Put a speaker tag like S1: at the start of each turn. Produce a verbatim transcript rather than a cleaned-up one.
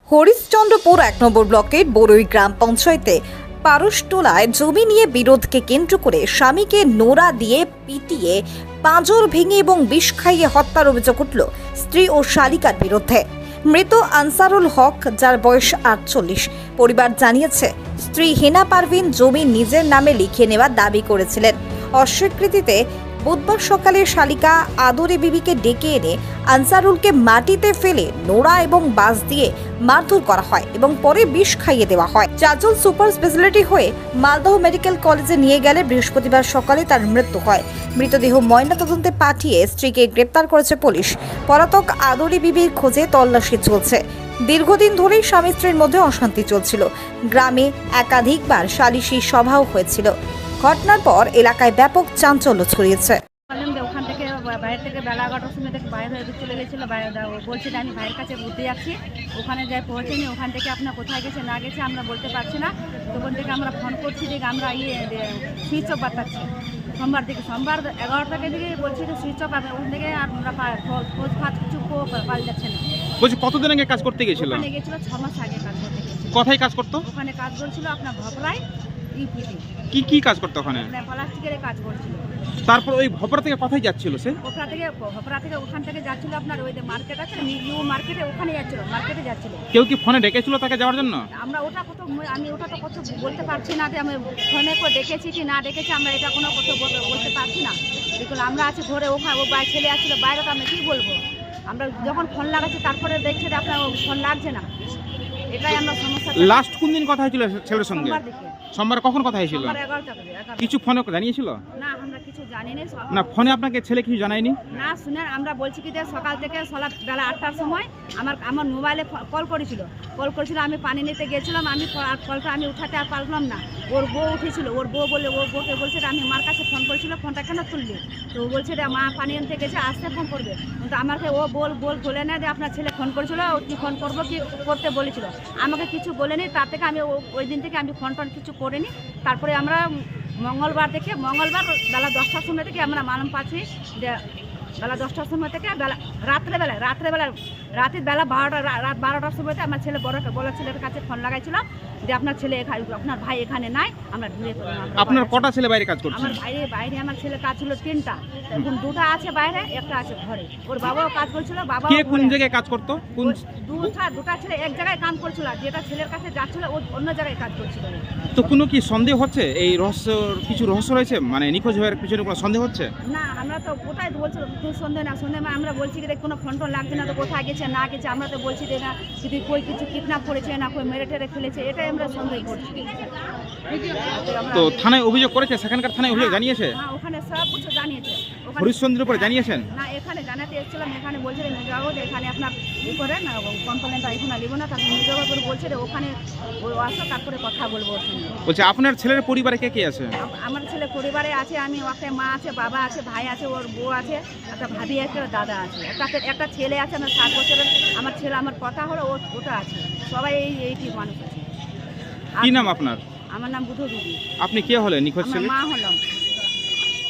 S1: হরিশ্চন্দ্রপুর এক নম্বর ব্লকের বড়ই গ্রাম পঞ্চায়েতে পারসটোলায় জমি নিয়ে বিরোধকে কেন্দ্র করে স্বামীকে নোড়া দিয়ে পিটিয়ে পাঁজর ভেঙে এবং বিষ খাইয়ে হত্যার অভিযোগ উঠল স্ত্রী ও শালিকার বিরুদ্ধে। মৃত আনসারুল হক, যার বয়স আটচল্লিশ, পরিবার জানিয়েছে স্ত্রী হেনা পারভিন জমি নিজের নামে লিখিয়ে নেওয়ার দাবি করেছিলেন। অস্বীকৃতিতে বুধবার সকালে শালিকা আদরে বিবিকে ডেকে এনে আনসারুলকে মাটিতে ফেলে নোড়া এবং বাঁশ দিয়ে মারধর করা হয় এবং পরে বিষ খাইয়ে দেওয়া হয়। চারজন সুপার স্পেশালিটি হয়ে মালদহ মেডিকেল কলেজে নিয়ে গেলে বৃহস্পতিবার সকালে তার মৃত্যু হয়। মৃতদেহ ময়নাতদন্তে পাঠিয়ে স্ত্রীকে গ্রেপ্তার করেছে পুলিশ। পলাতক আদরে বিবির খোঁজে তল্লাশি চলছে। দীর্ঘদিন ধরেই স্বামী স্ত্রীর মধ্যে অশান্তি চলছিল। গ্রামে একাধিকবার সালিশি সভাও হয়েছিল। ঘটনার পর এলাকায় ব্যাপক চাঞ্চল্য ছড়িয়েছে।
S2: ওখান থেকে বাইরে থেকে বেলা এগারোটার সময় থেকে বাইরে হয়ে চলে গেছিলো। বলছি যে আমি ভাইয়ের কাছে ঘুরতে যাচ্ছি, ওখানে যাই পৌঁছেনি। ওখান থেকে আপনার কোথায় গেছে না গেছে আমরা বলতে পারছি না। তখন থেকে আমরা ফোন করছি যে আমরা ইয়ে সুইচ অফ বাতাচ্ছি। সোমবার থেকে সোমবার এগারোটাকে দিকে বলছি যে সুইচ অফ, ওখান থেকে আমরা খোঁজ ফাঁজ কিছু পাওয়া যাচ্ছে না।
S3: বলছি কতদিন আগে কাজ করতে গেছিল?
S2: ওখানে গেছিল ছ মাস আগে কাজ করতে গেছিল।
S3: কোথায় কাজ করতো?
S2: ওখানে কাজ করছিল আপনার ভপরায় ইউপিতে।
S3: কি কি কাজ করতো ওখানে?
S2: প্লাস্টিকের কাজ করছিল।
S3: তারপর ওই ভপরা থেকে কোথায় যাচ্ছিল সে?
S2: ভপরা থেকে ভপরা থেকে ওখান থেকে যাচ্ছিল আপনার ওই যে মার্কেট আছে নিউ মার্কেটে, ওখানে যাচ্ছিল, মার্কেটে যাচ্ছিল।
S3: কেউ কি ফোনে ডেকেছিল তাকে যাওয়ার জন্য?
S2: আমরা ওটা কত আমি ওটা তো কত বলতে পারছি না যে আমি ফোনে করে ডেকেছি কি না ডেকেছি, আমরা এটা কোনো কত বলতে পারছি না। দেখুন আমরা আছি ঘরে, ওখানে ও বাইরে ছেলে আসছিল বাইরে, তো আমি কী বলবো? আমরা যখন ফোন লাগাচ্ছি তারপরে দেখছি যে আপনার ফোন লাগছে না। এটাই আমরা সমস্যা।
S3: লাস্ট কোন দিন কথা হয়েছিল ছেলের সঙ্গে?
S2: সোমবার দিকে।
S3: সোমবার কখন কথা হয়েছিল?
S2: এগারোটা করে।
S3: কিছু ফোনে জানিয়েছিল?
S2: না, আমরা কিছু জানি না।
S3: না, ফোনে আপনাকে ছেলে কিছু জানায়নি?
S2: না, শুনে আমরা বলছি কি যে সকাল থেকে সকাল বেলা আটটার সময় আমার আমার মোবাইলে কল করেছিল কল করেছিল আমি পানি নিতে গেছিলাম। আমি কলটা আমি উঠাতে আর পারলাম না। ওর বউ উঠেছিল, ওর বউ বলে ওর বউকে বলছে আমি মার কাছে ফোন করেছিল, ফোনটা কেন তুললি? তো ও বলছে যে মা পানি আনতে গেছে, আসতে ফোন করবে। কিন্তু আমাকে ও বল বল বলে না যে আপনার ছেলে ফোন করেছিল, কি ফোন করবো কি করতে বলেছিল, আমাকে কিছু বলেনি। তার থেকে আমি ওই দিন থেকে আমি ফোন টোন কিছু করিনি। তারপরে আমরা মঙ্গলবার থেকে মঙ্গলবার বেলা দশটার সময় থেকে আমরা মালুম পাচ্ছি যে বেলা দশটার সময় থেকে বেলা রাত্রেবেলায় রাত্রেবেলায় রাতের বেলা বারোটা রাত বারোটার সময় আমার ছেলে বড় বড় ছেলের কাছে ফোন লাগাইছিলাম যে আপনার ছেলে এখানে, আপনার ভাই এখানে নাই, আমরা ঘুরে।
S3: আপনার কটা ছেলে বাইরে কাজ করছে?
S2: আমার বাইরে বাইরে আমার ছেলে কাজ ছিল তিনটা, এখন দুটা আছে বাইরে, একটা আছে ঘরে। ওর বাবাও কাজ করছিল। বাবা
S3: কে কোন জায়গায় কাজ করতো? কোন
S2: দুটা দুটা ছেলে এক জায়গায় কাজ করছিল, যেটা ছেলের কাছে যাচ্ছিল ও অন্য জায়গায় কাজ করছিল।
S3: তো কোনো কি সন্দেহ হচ্ছে? এই রহস্য কিছু রহস্য রয়েছে, মানে নিখোঁজ হওয়ার পিছনে কোনো সন্দেহ হচ্ছে?
S2: না, আমরা তো ওটাই বলছি সন্দেহ না সন্দেহ আমরা বলছি যে কোনো ফোন টোন লাগছে না, তো কোথায় গেছে না গেছে আমরা তো বলছি যে না যদি কই কিছু কিডন্যাপ করেছে না কই মেরে টেরে ফেলেছে, এটাই আমরা সন্দেহ করছি।
S3: তো থানায় অভিযোগ করেছে? সেখানকার থানায় অভিযোগ জানিয়েছে?
S2: হ্যাঁ, ওখানে সব কিছু জানিয়েছে।
S3: হরিশ্চন্দ্রপুরে জানিয়েছেন?
S2: না, এখানে জানাতে এসেছিলাম, এখানে বলছে যে মেজাগত এখানে আপনার ই করে না কমপ্লেনটা এখানে নেবো না, তারপর মেজাগত করে বলছে যে ওখানে আসো তারপরে কথা বলবো ওর সঙ্গে।
S3: বলছে আপনার ছেলের পরিবারে কে কে আছে?
S2: আমার ছেলে পরিবারে আছে, আমি ওকে মা আছে, বাবা আছে, ভাই আছে, ওর বউ আছে, একটা ভাবি আছে, ওর দাদা আছে, একটা একটা ছেলে আছে আমার সাত বছরের। আমার ছেলে আমার কথা হলো ওটা আছে। সবাই এই এইটি মানুষ আছে।
S3: কি নাম আপনার?
S2: আমার নাম বুধ দিদি।
S3: আপনি কে হলেন নিখোঁজ ছেলে?
S2: মা হলাম।